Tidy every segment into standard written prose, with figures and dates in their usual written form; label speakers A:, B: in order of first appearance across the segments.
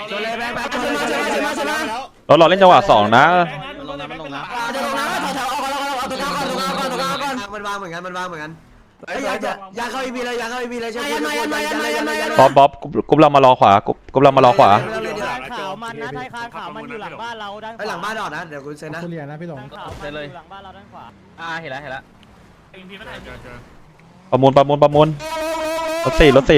A: ชนเลยแบงค์ชนเลยชนเลย
B: เราเล่นจังหวะ2นะ
A: มันวางเหมือนกันมันวางเหมือนกันยาเข้าอีพีเลยยาเข้าอีพีเลยใช่ไหม
B: บ๊อบกรุ๊ปเรามารอขวากรุ๊ปเรามารอขวา
C: ขาวมันนะไทยคานขาวมันอยู่หลังบ้านเราด้านขวา
A: หลังบ้านออกนะเดี๋ยวคุณเซ็นนะ
D: คุณเรียนนะพี่หลง
C: ขาวมันอยู่หลังบ้านเราด้านขวา
E: เห็นแล้ว
B: ประมูลรถ4
A: หลัง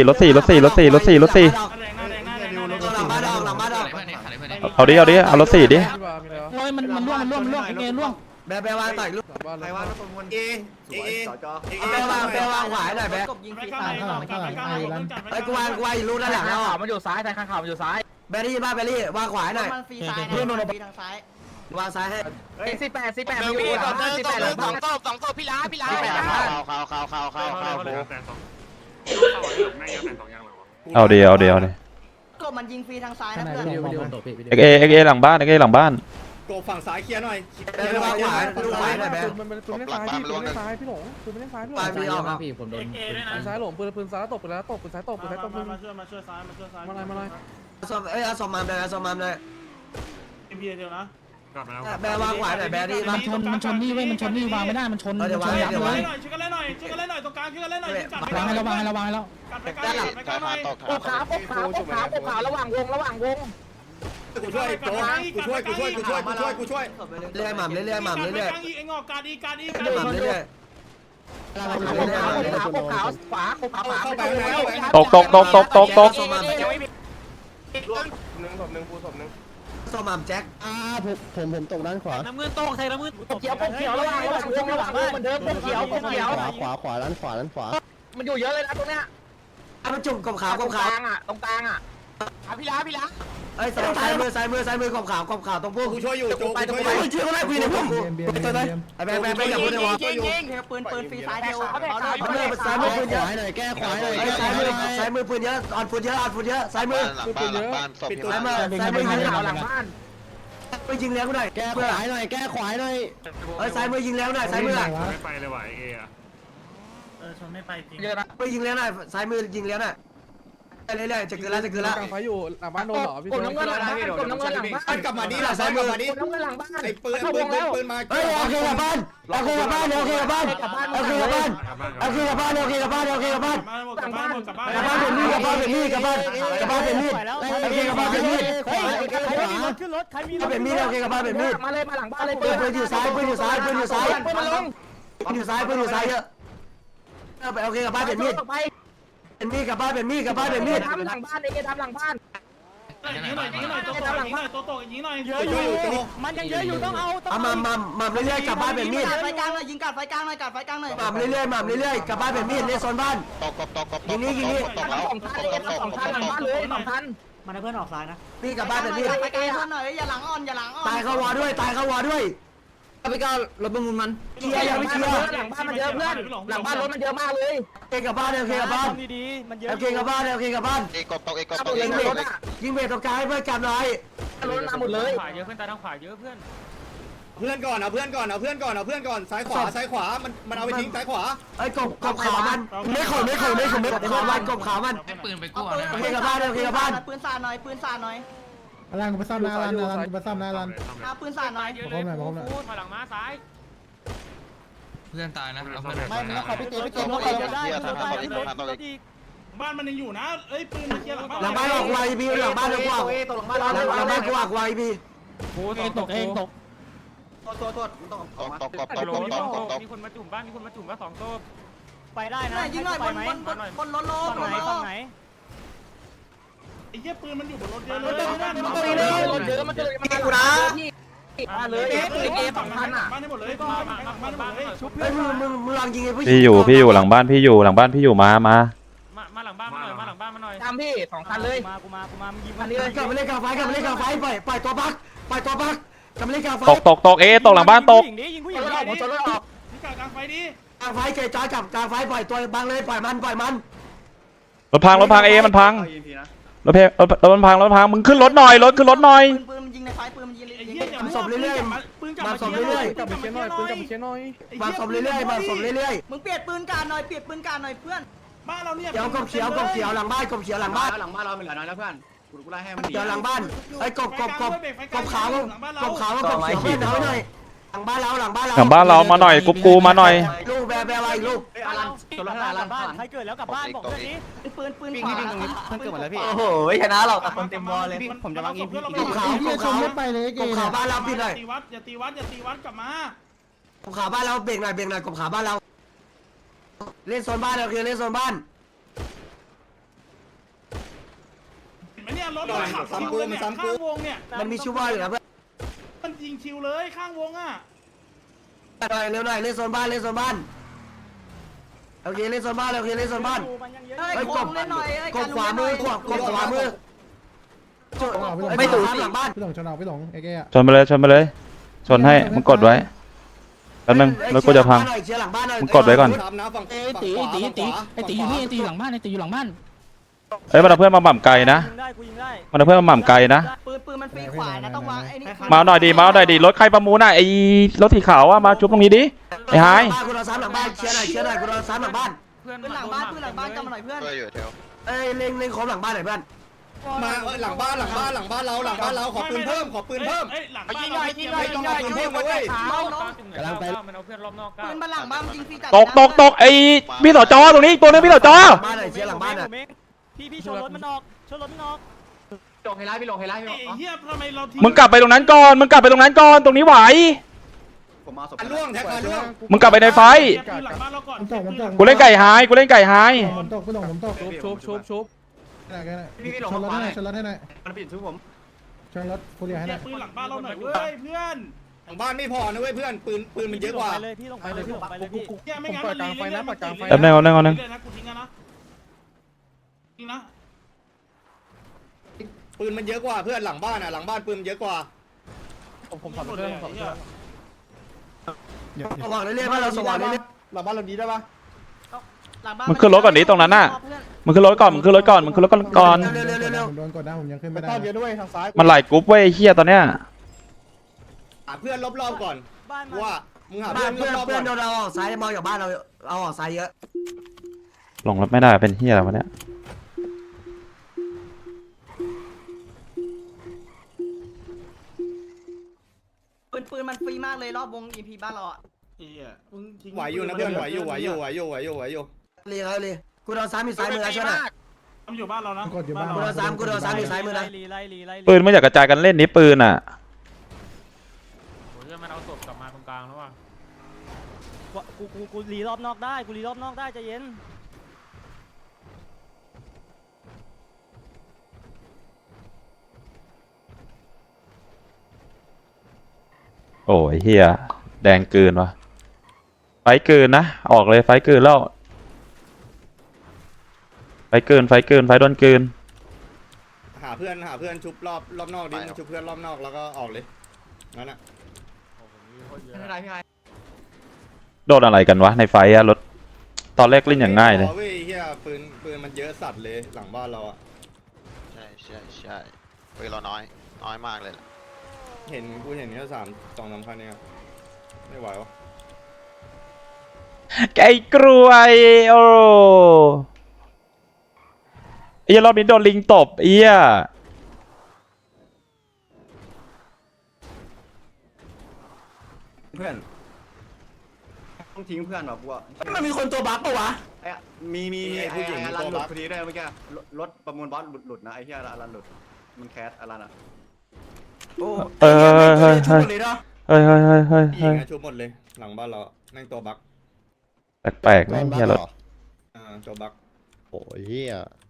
A: บ้านออกหลังบ้านออก
B: เอาดิเอารถ4ดิ
C: โอ้ยมันล่วงเงี้ยล่วง
A: แบวางต่อยลูก
F: ใครว่าประมวลเอเอ
A: แบวางขวายหน่อยแบว
C: ยิงฟรี
D: ข้างหลัง
A: ไอ้กูวางอยู่รูด้านหลังแล้ว
E: มันอยู่ซ้ายไทยข้างข่าวมันอยู่ซ้าย
A: แบรี่บ้าแบรี่วางขวายหน่อย
C: มันฟรีซ้ายเพื่อนโดนฟรีทางซ้ายว
A: างซ้ายให้
E: 48มันอยู่48หลังบ้าน2ศพพี่ล้า
B: เอาดิ
C: ก็มันยิงฟรีทางซ้ายนะเพื่อน
B: เอหลังบ้านหลังบ้าน
F: โกฝั่งซ้ายเคลียร์หน่อย
A: แบวางขวายลูกขวายหน่อยแบว
D: มันปืนไม่ซ้ายพี่ปืนไม่ซ้ายพี่หลงปืนไม่ซ้ายพี่หล
A: ปลาย
D: ง
A: ปีออกครับ
D: ซ้ายหลงปืนซ้ายตกไปแล้วตกปืนซ้ายตกปืนซ้ายตกปืน
G: มาช่วยซ้ายมาช่วยซ้าย
D: มาเลย
A: สมเอาสมมามเลยสมมามเลย
G: เอ็มพีเดียวนะ
A: แบวางขวายหน่อยแบรี่
C: มันชนนี่เว้ยมันชนนี่วางไม่ได้มันชนยับเลย
G: ช่วยกันเล่นหน่อยตรงกลางช่วยกันเล่นหน่อยว
C: างให้เราวางให้เราวางให้เรา
G: กัดไปใกล้ไปใกล้หน่อย
E: ปกขาวระหว่างวง
F: กูช่วยโจ๊กกูช่วย
A: เรื่อยหม่ำเรื่อยหม่ำเรื่อย
G: ไอ้งอกการดีการดี
A: หม่ำเรื่อย
E: ขาวขวา
F: เข้าไปแล้ว
B: ตก
A: สมมามแจ็ค
D: ผมตกด้านขวา
C: น้ำเงินโต้ใส่น้ำเงิน
E: เขียวระหว่างวงระหว่างเหมือนเดิมเขียว
D: ขวาด้านขวา
E: มันอยู่เยอะเลยนะตรงเนี้ย
A: มันจุ่มกบขาว
E: ตรงกลางอ่ะพี่ล้า
A: เอ้ยซ้ายมือกบขาวตรงพวก
F: กูช่วยอยู่โจ๊ก
A: ช่วยก็ได้คุยในพวกกู
D: เบียม
A: ไอ้แบงอย่าพูดในวอล
C: ปืนฟรีซ้ายเดียว
A: ซ้ายมือปืนเยอะ
D: แก้ขวาหน่อย
A: ซ้ายมือปืนเยอะอ่อนปืนเยอะซ้ายมือ
F: ปิดตัว
A: ซ้ายมือยิง
E: หลังบ้าน
A: ไปยิงแล้วกูหน่อย
D: แก้ขวาหน่อย
A: เอ้ยซ้ายมือยิงแล้วหน่อยซ้ายมือ
G: ไม่ไปเลยว่ะเออะ
C: ชนไม่ไปจริง
E: เยอะนะ
A: ไปยิงแล้วหน่อยซ้ายมือยิงแล้วหน่อยเรื่อยๆจะเกินแล้ว
D: กลางไฟอยู่หลังบ้านโดนหรอพี่
E: กดน้ำเงินหลังบ้าน
F: กลับมาดีหลังซ้ายมือมาดี
E: น้ำเงินหลังบ้าน
F: ไอ้ปืนมา
A: เฮ้ยโอเคกับบ้านโอเคกับบ้านโอเคกับบ้านโอเคกับบ้านโอเคกับบ้านโอเคกับบ้านโอเคกับบ้าน
G: กลับบ้านกลับบ้าน
A: กับบ้านเป็นมีดกับบ้านเป็นมีดกับบ้านเป็นมีดโอเคกับบ้านเป็นมีด
C: ใครมีรถขึ้นรถใครมีรถ
A: เป็นมีดโอเคกับบ้านเป็นมีด
E: มาเลยมาหลังบ้านเลย
A: ปืนอยู่ซ้ายเยอะอยู่ซ้ายเยอะไปโอเคกับบ้านเป็นมีดเป็นมีดกับบ้านเป็นมีดกับบ้านเป็นมีด
E: ทำหลังบ้านเองทำหลังบ้าน
G: ยิงหน่อยตัวโตยิงหน่อย
C: เยอะอยู่มันยังเยอะอยู่ต้องเอาต้อง
A: เอามาเรื่อยๆกับบ้านเป็นมีด
C: ไฟกลางเลยยิงกัดไฟกลางหน่อยกัดไฟกลางหน่อย
A: มาเรื่อยๆกับบ้านเป็นมีดในโซนบ้านยิงนี้
E: 2 คันหลังบ้านเลย2 คัน
C: มันให้เพื่อนออกซ้ายนะ
A: นี่กับบ้านเป็นมีด
C: ไฟกลางเพื่อนหน่อยอย่าหลังอ่อนอย่าหลังอ่อน
A: ตายเข้าวอด้วยไปก้าวรถประมูลมันเคลียร์ยังไม่เคลียร์
E: หลังบ้านมันเยอะเพื่อนหลังบ้านรถมันเยอะมากเลย
A: โอเคกับบ้านโอเคกับบ้าน
C: ดีๆมันเยอะ
A: โอเคกับบ้านโอเคกับบ้าน ยิงเบรกตรงกลางให้เพื่อนกันหน่อย
E: รถมาหมดเลย
C: ขวาเยอะเพื่อนตาทางขวาเยอะเพื่อน
F: เพื่อนก่อนเอาเพื่อนก่อนซ้ายขวามันเอาไปทิ้งซ้ายขวา
A: ไอ้กบขาวมันไม่ขาวมันกบขาวมัน
E: ปืนไปกู้นะ
A: โอเคกับบ้านโอเคกับบ้าน
C: ปืนสาดหน่อยปืนสาดหน่อย
D: ร้านกูไปซ่อมหน้าร้านกูไปซ่อมหน้าร้าน
C: เอาปืนสาดหน่อย
D: ถอยหลังมาซ้าย
E: เพื่อนตายนะเอาเพื่อน
C: ไม่ขอพี่เก๋พี่เก๋รถได้รถอีก
G: บ้านมันยังอยู่นะเอ้ยปืนมาเคลียร์หลังบ้าน
A: หลังบ้านออกไวบีหลังบ้านออกไวหลังบ้านกูออกไวบี
C: ตกเองตก
G: มีคนมาจุ่มบ้านมีคนมาจุ่มบ้าน2 โต๊ะ
C: ไปได้นะยิงหน่อยบนรถโล
G: ฝั่งไหนไอ้เหี้ยปืนมันอยู่บนรถเยอะเลย
E: รถเยอะมันจะเลยมาเลย2 คันอ่ะ
G: บ้านให้หมดเลยบ้านให้หมดเลย
A: ไอ้มึงลองยิงไอ้ผู้
B: พี่อยู่หลังบ้านพี่อยู่มา
G: มาหลังบ้านมาหน่อย
E: ตามพี่2 คันเลย
C: กูมามึงยิง
E: อันนี้เลย
A: กลับมาเล่นกลางไฟปล่อยตัวบักกลับมาเล่นกลางไฟ
B: ตกตกหลังบ้านตก
C: ยิงผู้หญิ
E: ยิ
C: ง
E: ง
C: ดิ
E: ผมชนรถออก
G: นี่กลางไฟดิ
A: กลางไฟเกยจอยกับกลางไฟปล่อยตัวบังเลยปล่อยมัน
B: รถพังเอมันพังรถมันพังมึงขึ้นรถหน่อยขึ้นรถหน่อย
C: ปืนมันยิงในไฟปืนมันยิง
G: ไอ้เหี้ยอย่า
A: ศพเรื่อย
G: ปืนกลับมาเรื่อย
D: กลับไปเช็คหน่อยปืนกลับไปเช็คหน่อย
A: มาศพเรื่อย
C: มึงเปลี่ยนปืนการหน่อยเปลี่ยนปืนการหน่อยเพื่อน
G: บ้านเราเนี่ย
A: เขียวกบเขียวหลังบ้านกบเขียวหลังบ้าน
F: หลังบ้านเราเป็นเหลือน้อยแล้วเพื่อนกูไล่ให้มัน
A: เดี๋ยวหลังบ้านไอ้กบขาวกบขาวกบเขียวเพื่อนเอาหน่อยหลังบ้านเรา
B: หลังบ้านเรามาหน่อยกูมาหน่อย
A: ลูกแบอะไรลูก
E: ตัวละ5ล้านบ้านใครเกิดแล้วกลับบ้านบอกเรื่องนี้ปืนขวา
C: เพื่อนเกิดหมดแล้วพี่
E: โอ้โหชนะเราคนเต็มวอลเลยผมจะวางอินพี
A: กบขาวกบขาวบ้านเราปิดหน่อย
G: อย่าตีวัดกลับมาก
A: บขาวบ้านเราเบรกหน่อยกบขาวบ้านเราเล่นโซนบ้านเราคือเล่นโซนบ้าน
G: เห็นไหมเนี่ยรถขับชิวเลยเนี่ยข้างวงเนี่ย
A: มันมีชูว่าอยู่นะเพื่อน
G: มันยิงชิวเลยข้างวงอ่ะ
A: หน่อยเร็วหน่อยเล่นโซนบ้านโอเคเล่นโซนบ้านโอเคเล่นโซนบ้านไอ้กบขวามือกบขวามือไม่ถูกหลังบ้าน
D: พี่หลงชนเอาพี่หลงเอเก้อะ
B: ชนไปเลยชนให้มึงกดไว้แป๊บนึงรถกูจะพัง
A: เชียร์หลังบ้านหน่อย
B: มึงกดไว้ก่อน
H: ตีอยู่นี่ตีอยู่หลังบ้านตีอยู่หลังบ้าน
B: เอ้ยมันเอาเพื่อนมาหม่ำไกลนะมันเอาเพื่อนมาหม่ำไกลนะ
E: ปืนมันฟรีขวานะต้องวางไอ้นี่
B: มาหน่อยดิรถใครประมูลน่ะไอ้รถสีขาวอะมาชุบตรงนี้ดิไอ้ไฮ
A: กูรอซ้ำหลังบ้านเชียร์หน่อยกูรอซ้ำหลังบ้าน
E: ปืนหลังบ้านกลับมาหน่อยเพื่อน
C: เพื่อนอยู่แถว
A: เอ้ยเล็งครบหลังบ้านหน่อยเพื่อน
F: มาหลังบ้านเราขอปืนเพิ่ม
G: เอ้ยหลังบ้าน
F: ไม่ต้องเอาปืนเพิ่มเลย
D: กำลังไป
E: ปืนมาหลังบ้านยิงฟรีจัด
B: ตกไอ้พี่ต่อจอตรงนี้อีกตัวนึงพี่ต่อจอ
A: บ้านหน่อยเชียร์หลังบ้านหน่อย
E: พี่ชนรถมันออกลงไฮไลท์พี่ลงไฮไลท์พี่
G: เฮียทำไมเราทิ้
B: มึงกลับไปตรงนั้นก่อนตรงนี้ไหว
F: ผมมาศพล่วงแท็กมาล่วง
B: มึงกลับไปในไฟ
G: หลังบ้านเราก่อน
B: กูเล่นไก่ไฮ
D: ผมตกพี่หลงผมตกชุบชนรถให้หน่อยชนรถให้หน่อย
F: มันปิดชุบผม
D: ชนรถฟูเรียให้หน่อย
G: ปืนหลังบ้านเราหน่อยเว้ยเพื่อน
F: หลังบ้านไม่พอนะเว้ยเพื่อนปืนมันเยอะกว่า
E: เลยพี่ลงไปเลยพี่ลงไปเลยพี่
G: เฮียไม่งั้นมันรีเลยนะกูทิ้งนะกูทิ้งนะทิ้งนะ
F: ปืนมันเยอะกว่าเพื่อนหลังบ้านปืนเยอะกว่า
D: ผมถอดเรื่องผมถอดเรื่อง
A: สว่างเรื่อยๆบ้านเราสว่างเรื่อย
F: หลังบ้านเราดีได้ปะ
B: มึงขึ้นรถก่อนดิตรงนั้นน่ะมึงขึ้นรถก่อน
A: ๆเร็ว
D: ผมโดนกดได้ผมยังขึ้นไม่ได้
F: ต้อนเยอะด้วยทางซ้าย
B: มันไหลกรุ๊ปเว้ยเฮียตอนเนี้ย
F: หาเพื่อนรอบๆก่อนว่ามึงหา
A: ๆ
F: เพื่อนรอบๆ
A: เพื่
F: ก่
A: อ
F: อน น
A: โดนเราออกซ้ายมองจากบ้านเราเอาออกซ้ายเยอะ
B: ลงรถไม่ได้เป็นเฮียอะไรวะเนี่ย
E: ปืนมันฟรีมากเลยรอบวง EP บ้านเราอ่ะ
F: ไหวอยู่นะเพื่อนไหวอยู่
A: เรียกเลยกูโดนซ้ำอยู่ซ้ายมือช่วยหน่อย
G: มันอยู่บ้านเรานะ
A: กูโดนซ้ำอยู่ซ้ายมือนะ
B: ปืนไม่อยากกระจายกันเล่นนี่ปืนอ่ะ
H: มันเอาศพกลับมาตรงกลางแล้วว่ะ
E: กูรีรอบนอกได้ใจเย็น
B: โอ้ยเฮียแดงเกินวะไฟเกินนะออกเลยไฟเกินแล้วไฟโดนเกิน
F: หาเพื่อนชุบรอบนอกดิชุบเพื่อนรอบนอกแล้วก็ออกเลยนั่นน่ะ
E: ไม่เป็นไรพี่ไฮ
B: โดนอะไรกันวะในไฟอะรถตอนแรกเล่นอย่างง่ายเลย
F: เว้ยเฮียปืนมันเยอะสัตว์เลยหลังบ้านเราอ่ะ
C: ใช่เฮ้ยเราน้อยมากเลย
F: กูเห็นแค่2-3คันเนี่ยไม่ไหววะ
B: ไก่กรวยโอ้ไอ้รอบนี้โดนลิงตบเอี้ย
F: เพื่อนต้องทิ้งเพื่อนแบบว่า
A: มันมีคนตัวบั๊กปะวะ
F: มีผู้หญิงรันหลุดพอดีได้เมื่อกี้รถประมูลบอสหลุดนะไอ้เหี้ยรันหลุดมันแคสรันอ่ะ
B: เฮ้ย
F: ผู้หญิงชุบหมดเลยหลังบ้านเรานั่งตัวบั๊ก
B: แปลกๆนะเฮียรถ
F: ตัวบั๊ก
I: โอ้ยเฮีย